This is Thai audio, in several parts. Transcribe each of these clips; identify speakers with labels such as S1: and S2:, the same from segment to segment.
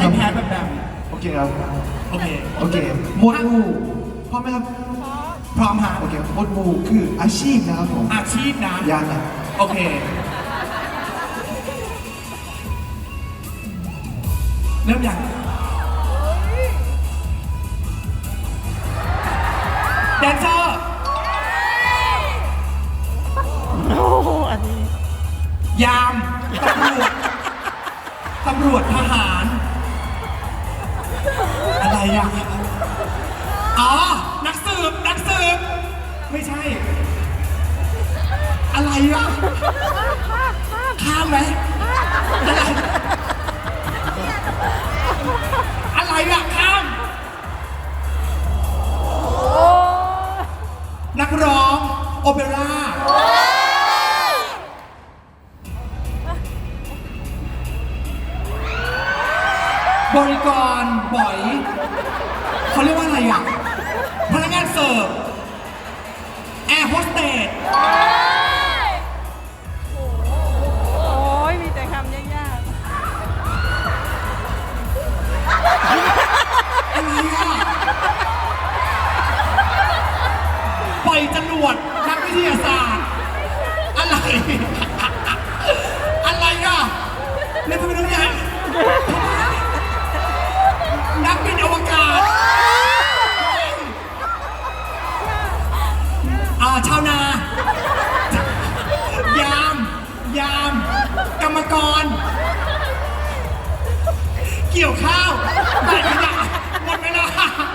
S1: ไม่แพ้แบบ
S2: โอเคครับ
S1: โอเค
S2: โอเคหมวดหมู่พร้อมไหมครับ
S1: พร้อมฮะ
S2: โอเคหมวดหมู่คืออาชีพนะครับผม
S1: อาชีพนะ
S2: ยากนะ
S1: โอเคเริ่มยังแดนเซอร์
S3: โอ้โหอันนี้
S1: ยามตำรวจทหาร อะไรอ่ะอ๋อนักสืบไม่ใช่ อะไรอ่ะข้ามไหมอะไรอ่ะข้ามนักร้องโอเปร่าบริกรบ่อยเขาเรียกว่าอะไรอ่ะพนักงานเสิร์ฟแอร์โฮสเตส
S3: โอ้ยมีแต่คำยาก
S1: อะไรอ่ะปล่อยจรวดนักวิทยาศาสตร์อะไรอะไรอ่ะเล่นทำไมต้องใหญ่นักบินอวกาศชาวนายามกรรมกร เกี่ยวข้าวแบกขยะหมดเวลา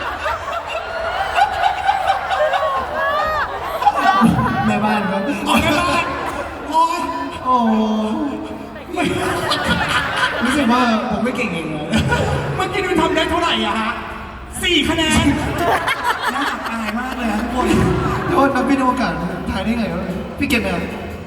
S2: แม่บ้านครับ
S1: ออกไปบ้านโอ้ย
S2: โอ้
S1: ไม่
S2: รู้สึกว่าผมไม่เก่งเองเลย
S1: เมื่อกี้คุณทำได้เท่าไหร่อะฮะ4 คะแนนน่าอับอายมากเลยฮะทุกคน
S2: โทษนักบินอวกาศถ่ายได้ไงวะพี่เก็บไหมครับ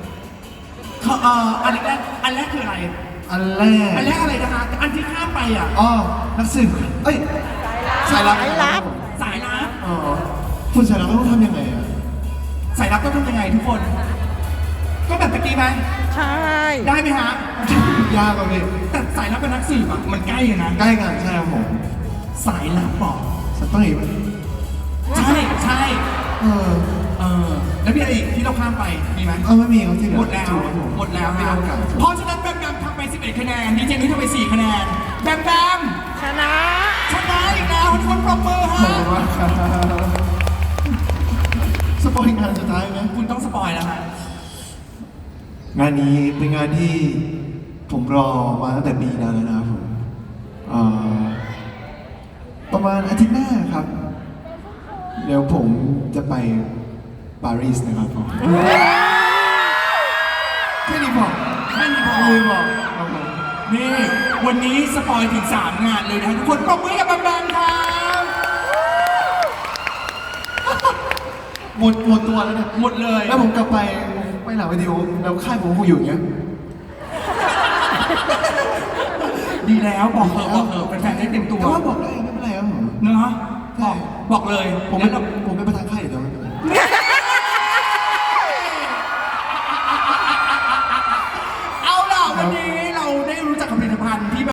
S1: อันแรกคืออะไร
S2: อันแรก
S1: อันแรกอะไรนะคะอันที่ข้ามไปอ่ะ
S2: อ๋อนักสืบเอ้ยสายลับ
S1: สายลับ
S2: อ๋อคุณสายลับต้องทำยังไงอะ
S1: สายลับต้องทำยังไงทุกคน ก็แบบตะกี้ไหม
S3: ๆ ใช่
S1: ได้ไหมฮะ
S2: ยากกว่าพี่
S1: แต่สายลับกับนักสืบอ่ะมันใกล้กันนะ
S2: ใกล้กันใช่ครับผม
S1: สายลับบอก
S2: สักต้องอีกไหม
S1: ใช่
S2: เออ
S1: แล้วมีอะไรอีกที่เราข้ามไปมีไหม
S2: ไม่มีครับที่เหลือ
S1: หมดแล้ว
S2: ถูกครับผม
S1: หมดแล้ว
S2: ไม่
S1: ค
S2: เอา
S1: รับ
S2: โอกาส
S1: เพราะฉะนั้นแบมแบมทำไป11 คะแนนดีเจนุ้ยทำไป4 คะแนนแบมแบม
S3: ชนะ
S1: ชนะอีกแล้วทุกคนปรบมือ
S2: ขอบ
S1: ฮะ
S2: คุณมากครับสปอยงานสุดท้ายไหม
S1: คุณต้องสปอยแล้วฮะ
S2: งานนี้เป็นงานที่ผมรอมาตั้งแต่ปีนั้นแล้วนะครับผมประมาณอาทิตย์หน้าครับ เดี๋ยวผมจะไปปารีสนะครับผมแค่นี้พอ
S1: แค่นี้พอ
S2: แค่นี้พอครับผม
S1: นี่วันนี้สปอยถึง3 งานเลยนะทุกคนปรบมือกับแบมแบมครับ
S2: หมดตัวแล้วเนี่ย
S1: หมดเลย
S2: แล้วผมกลับไปหลังวิดีโอแล้วค่ายผมคงอยู่อย่างเงี้ย
S1: ดีแล้วบอกเถอะเป็นแฟนๆได้เต็มตัว
S2: แต่ว่าบอกได้ไม่เป็นไรครับผม
S1: เนาะบอกเลย
S2: ผม
S1: งั้
S2: เป็น
S1: นเรา
S2: ผมเป็นประธานค่ายอยู่